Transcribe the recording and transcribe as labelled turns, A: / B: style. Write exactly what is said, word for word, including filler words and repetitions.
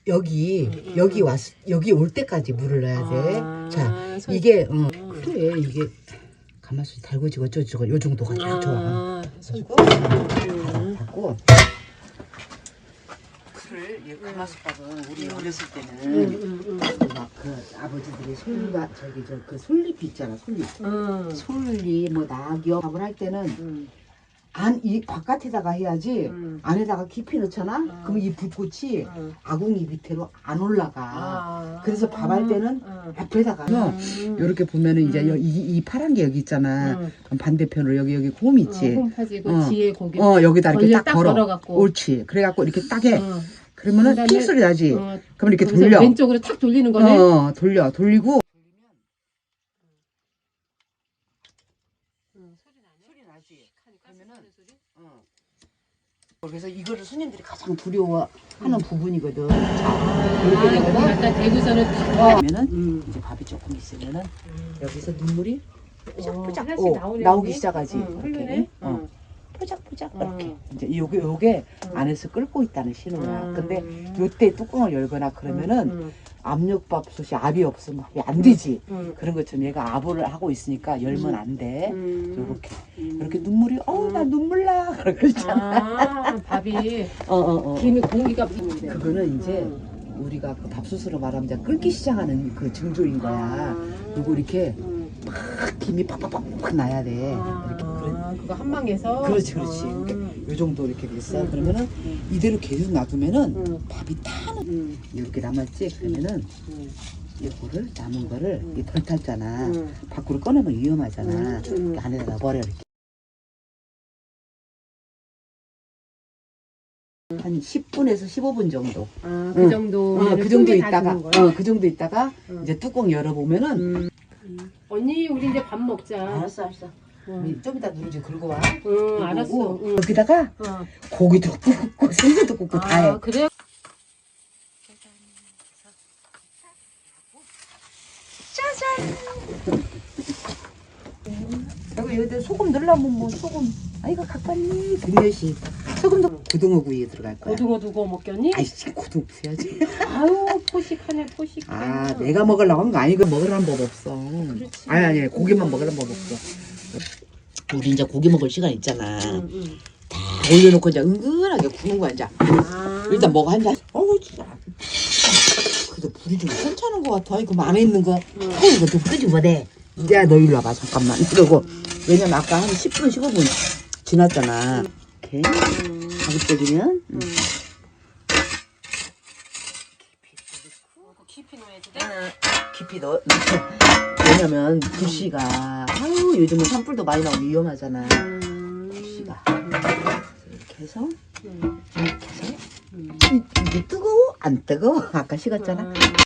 A: 여기
B: 음, 음,
A: 여기
B: 음.
A: 왔 여기 올 때까지 물을 넣어야 돼.
B: 아,
A: 자
B: 소-
A: 이게 어 그래 이게 가마솥이 달궈지고 어쩌고저쩌고 요 정도가 딱 좋아.
B: 아,
A: 가지고
B: 음.
A: 닫고 쿨을 이 가마솥밥은 우리 어렸을 때는
B: 음, 음,
A: 막 그 아버지들이 솔잎 저기 저 그 솔잎 있잖아 솔잎
B: 음.
A: 솔잎 뭐 낙엽 밥을 할 때는
B: 음.
A: 안 이 바깥에다가 해야지
B: 음.
A: 안에다가 깊이 넣잖아.
B: 음.
A: 그럼 이 불꽃이
B: 음.
A: 아궁이 밑으로 안 올라가.
B: 아.
A: 그래서 밥할 때는
B: 음.
A: 앞에다가
B: 음.
A: 이렇게 보면은 이제
B: 음.
A: 여- 이, 이 파란 게 여기 있잖아.
B: 음.
A: 그럼 반대편으로 여기 여기 홈 있지.
B: 어, 홈 파지고
A: 어.
B: 뒤에 고기.
A: 어 여기다 이렇게
B: 걸려
A: 딱
B: 딱
A: 걸어.
B: 걸어갖고.
A: 옳지. 그래갖고 이렇게 딱 해.
B: 어.
A: 그러면은
B: 그다음에-
A: 픽 소리 나지.
B: 어,
A: 그럼 이렇게
B: 거기서
A: 돌려.
B: 왼쪽으로 탁 돌리는 거네.
A: 어 돌려 돌리고.
B: 음,
A: 소리 나지. 그러면은 어. 그래서 이거를 손님들이 가장 두려워하는 부분이거든. 자,
B: 아,
A: 이렇게
B: 거기
A: 되면은
B: 갖다 대고서는 탁.
A: 그러면은
B: 음.
A: 이제 밥이 조금 있으면은 여기서 눈물이
B: 어,
A: 뽀짝뽀짝
B: 하나씩
A: 어,
B: 나오네,
A: 나오기
B: 언니.
A: 시작하지.
B: 응,
A: 이렇게.
B: 흐르네.
A: 어.
B: 응.
A: 포작포작
B: 응.
A: 이렇게 이제 요게 요게
B: 응.
A: 안에서 끓고 있다는 신호야.
B: 음.
A: 근데 요때 뚜껑을 열거나 그러면은
B: 음,
A: 압력밥솥이 압이 없으면 밥이 안 되지.
B: 음.
A: 그런 것처럼 얘가 압을 하고 있으니까 열면
B: 음.
A: 안 돼.
B: 음.
A: 요렇게
B: 음.
A: 이렇게 눈물이 어우 나
B: 음.
A: 눈물 나 그러고 있잖아.
B: 아, 밥이
A: 어어 어.
B: 김이 공기가 붙는데.
A: 그거는 이제
B: 음.
A: 우리가 그 밥솥으로 말하면 이제 끓기 시작하는 그 징조인 거야.
B: 아.
A: 그리고 이렇게
B: 음.
A: 막 김이 팍팍팍팍 나야 돼.
B: 아,
A: 이렇게 그런
B: 그거 한 방에서.
A: 그렇지 그렇지.
B: 아.
A: 그러니까 요 정도 이렇게 됐어.
B: 음.
A: 그러면은
B: 음.
A: 이대로 계속 놔두면은
B: 음.
A: 밥이 타는
B: 음.
A: 이렇게 남았지. 그러면은
B: 음.
A: 이거를 남은 거를
B: 음.
A: 이 덜 탔잖아.
B: 음.
A: 밖으로 꺼내면 위험하잖아.
B: 음. 음.
A: 이렇게 안에다가 버려 이렇게. 한 십 분에서 십오 분 정도.
B: 아, 그
A: 응.
B: 정도.
A: 어, 그 정도 있다가, 어, 그 정도 있다가
B: 응.
A: 이제 뚜껑 열어보면은.
B: 음. 음. 언니, 우리 이제 밥 먹자.
A: 알았어, 알았어.
B: 응,
A: 우리 좀 이따 누룽지 긁고 와.
B: 응, 알았어. 응.
A: 여기다가
B: 어.
A: 고기도 굽고 생선도 굽고 다 해.
B: 아, 그래?
A: 그리고 여기다 소금 넣으려면 뭐 소금. 아이고 가까니 등몇이 소금도 고등어구이에 들어갈 거야.
B: 고등어 두고 먹겠니?
A: 아이씨 고등어 써야지.
B: 아유, 포식하네, 포식해.
A: 아 내가 먹으려고 한 거 아니고 먹으라는 법 없어.
B: 그렇지.
A: 아니 아니 고기만 먹으라는 법 없어. 우리 이제 고기 먹을 시간 있잖아.
B: 응, 응.
A: 다 올려놓고 이제 은근하게 구는 거야 이제.
B: 아.
A: 일단 먹어 한 잔. 어우 진짜. 그래도 불이 좀 괜찮은 것 같아. 이거 안에 있는 거.
B: 응.
A: 어 이거 좀 끄지 못해. 야 너 일로 와봐 잠깐만. 이러고 왜냐면 아까 한 십 분 십오 분 지났잖아. 이렇게
B: 음.
A: 가급적이면.
B: 음.
A: 음.
B: 깊이 넣어야지 돼?
A: 깊이 넣어. 왜냐면 불씨가 아유 요즘은 산불도 많이 나오고 위험하잖아.
B: 음.
A: 불씨가 이렇게 해서
B: 음.
A: 이렇게 해서
B: 음.
A: 이- 이게 뜨거워 안 뜨거워 아까 식었잖아.
B: 음.